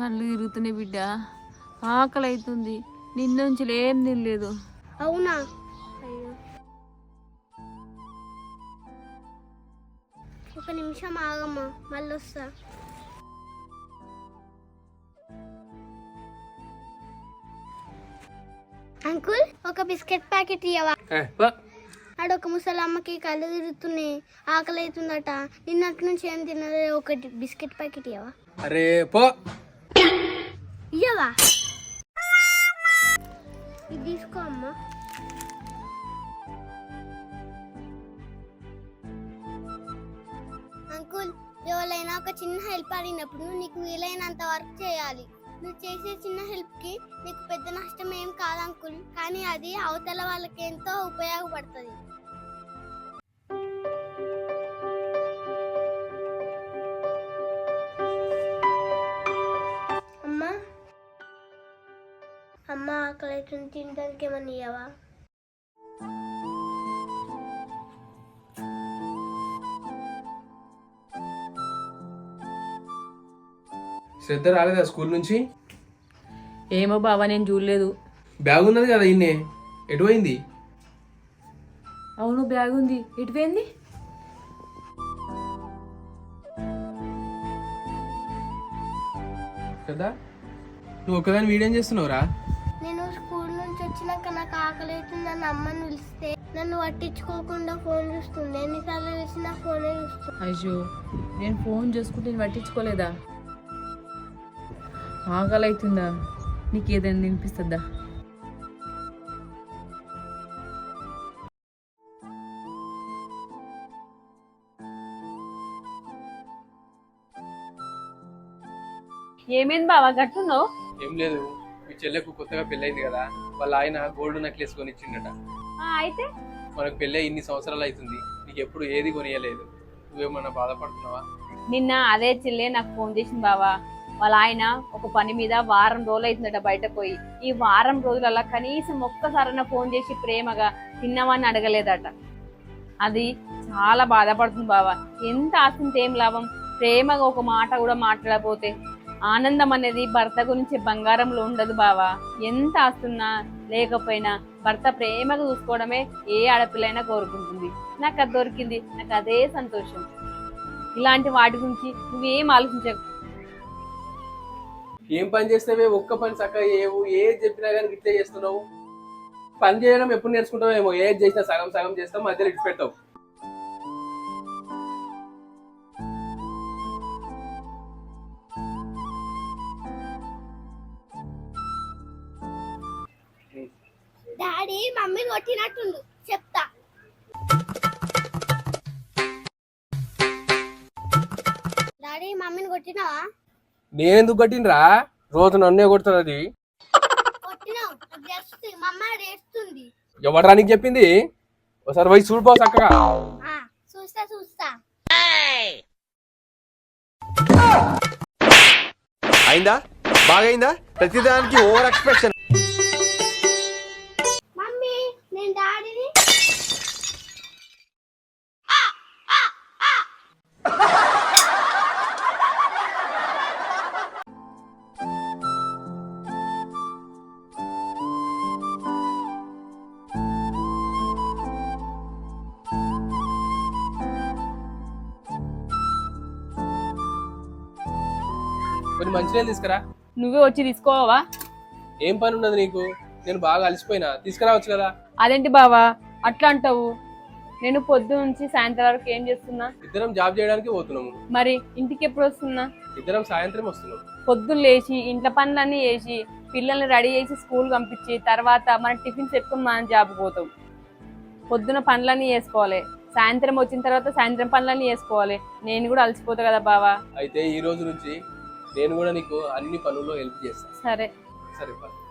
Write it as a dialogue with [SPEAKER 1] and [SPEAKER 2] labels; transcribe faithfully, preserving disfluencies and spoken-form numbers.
[SPEAKER 1] కళ్ళు తిరుగుతున్నాయి బిడ్డ, ఆకలి అవుతుంది. నిన్న నుంచి ఏం తినలేదు.
[SPEAKER 2] అవునా? అయ్యో, ఒక నిమిషం ఆగమ్మా, మళ్ళీ వస్తా. అంకుల్, ఒక బిస్కెట్ ప్యాకెట్ ఇవ్వవా? ఆడొక ముసలమ్మకి కళ్ళు తిరుగుతున్నాయి, ఆకలి అవుతుందట. నిన్నటి నుంచి ఏం తినలే, ఒకటి బిస్కెట్ ప్యాకెట్ ఇవ్వవా?
[SPEAKER 3] అరే పో,
[SPEAKER 2] ఇయ్యవా? ఇది తీసుకో అమ్మా. అంకుల్, ఎవరైనా ఒక చిన్న హెల్ప్ అడిగినప్పుడు నీకు వీలైనంత వర్క్ చేయాలి. నువ్వు చేసే చిన్న హెల్ప్ కి నీకు పెద్ద నష్టం ఏం కాదు అంకుల్, కానీ అది అవతల వాళ్ళకి ఎంతో ఉపయోగపడుతుంది. అమ్మా అమ్మ ఆకలి అవుతుంది, తినడానికి ఏమన్నా ఇయ్యవా?
[SPEAKER 3] శ్రద్ధ రాలేదా స్కూల్ నుంచి?
[SPEAKER 1] ఏమో బావా, నేను చూడలేదు.
[SPEAKER 3] బ్యాగ్ ఉన్నది కదా ఇన్నే, ఎటు పోయింది?
[SPEAKER 1] అవును, బ్యాగ్ ఉంది, ఎటు పోయింది?
[SPEAKER 3] కదా నువ్వు ఒక్కదాని వీడియో చేస్తున్నావురా?
[SPEAKER 2] నేను స్కూల్ నుంచి వచ్చినాక నాకు ఆకలి అవుతుంది అని అమ్మని పిలిస్తే నన్ను పట్టించుకోకుండా ఫోన్ చూస్తుంది. ఎన్నిసార్లు పిలిచినా ఫోనే చూస్తుంది.
[SPEAKER 1] అయ్యో, నేను ఫోన్ చూసుకుంటే నేను పట్టించుకోలేదా? ఆకలి అవుతుందా? నీకు ఏదైనా తినిపిస్తుందా? ఏమైంది బావా గట్టున్నావు?
[SPEAKER 3] ఏం లేదు, మీ చెల్లెకు కొత్తగా పెళ్ళైంది కదా, వాళ్ళ ఆయన గోల్డ్ నెక్లెస్ కొని ఇచ్చిండట.
[SPEAKER 1] అయితే
[SPEAKER 3] మనకు పెళ్ళి ఇన్ని సంవత్సరాలు అవుతుంది, నీకు ఎప్పుడు ఏది కొనియలేదు. నువ్వేమన్నా బాధపడుతున్నావా?
[SPEAKER 1] నిన్న అదే చెల్లె నాకు ఫోన్ చేసింది బావా. వాళ్ళ ఆయన ఒక పని మీద వారం రోజులు అవుతుందట బయట పోయి. ఈ వారం రోజులలో కనీసం ఒక్కసారైనా ఫోన్ చేసి ప్రేమగా తిన్నామని అడగలేదట. అది చాలా బాధపడుతుంది బావా. ఎంత ఆశించి ఏం లాభం? ప్రేమగా ఒక మాట కూడా మాట్లాడకపోతే ఆనందం అనేది భర్త గురించి బంగారంలో ఉండదు బావా. ఎంత ఆస్తున్నా లేకపోయినా భర్త ప్రేమగా చూసుకోవడమే ఏ ఆడపిల్లైనా కోరుకుంటుంది. నాకు అది దొరికింది, నాకు అదే సంతోషం. ఇలాంటి వాటి గురించి నువ్వేం ఆలోచించకు.
[SPEAKER 3] ఏం పని చేస్తావే? ఒక్క పని చక్కగా ఏవు, ఏది చెప్పినా కానీ ఇట్లే చేస్తున్నావు. పని చేయడం ఎప్పుడు నేర్చుకుంటావు ఏమో, ఏది చేసినా సగం సగం చేస్తావు, మధ్యలో ఇటు పెట్టావు.
[SPEAKER 2] డాడీ మమ్మీ కొట్టినట్టుండు, చెప్తా. డాడీ మమ్మీని కొట్టినావా?
[SPEAKER 3] నేనెందుకు కొట్టినరా? రోజు నన్నే కొడుతుంది అది.
[SPEAKER 2] కొట్టినావు, మమ్మ ఏడుస్తుంది.
[SPEAKER 3] ఎవడరా నీకు చెప్పింది? ఒకసారి పోయి చూడిపో చక్కగా.
[SPEAKER 2] చూస్తా చూస్తా.
[SPEAKER 4] అయిందా? బాగైందా? ప్రతిదానికి ఓవర్ ఎక్స్ప్రెషన్.
[SPEAKER 2] మమ్మీ, నేను డాడీని
[SPEAKER 3] కొన్ని మంచినీళ్ళు తీసుకురా.
[SPEAKER 1] నువ్వే వచ్చి తీసుకోవా?
[SPEAKER 3] ఏం పని ఉన్నది నీకు? నేను బాగా అలసిపోయినా, తీసుకురావచ్చు కదా.
[SPEAKER 1] అదేంటి బావా అట్లా అంటావు? నేను పొద్దు నుంచి సాయంత్రం వరకు ఏం చేస్తున్నా?
[SPEAKER 3] ఇద్దరం జాబ్ చేయడానికి పోతున్నాము.
[SPEAKER 1] మరి ఇంటికి ఎప్పుడు వస్తున్నా?
[SPEAKER 3] ఇద్దరం సాయంత్రం వస్తున్నాం.
[SPEAKER 1] పొద్దున్న లేచి ఇంట్లో పనులన్నీ చేసి పిల్లల్ని రెడీ చేసి స్కూల్ పంపించి తర్వాత మన టిఫిన్స్ పెట్టుకుని మనం జాబ్ పోతాం. పొద్దున పనులన్నీ చేసుకోవాలి, సాయంత్రం వచ్చిన తర్వాత సాయంత్రం పనులన్నీ చేసుకోవాలి. నేను కూడా అలసిపోతా కదా బావా.
[SPEAKER 3] అయితే ఈ రోజు నుంచి నేను కూడా నీకు అన్ని పనుల్లో హెల్ప్ చేస్తాను.
[SPEAKER 1] సరే
[SPEAKER 3] సరే.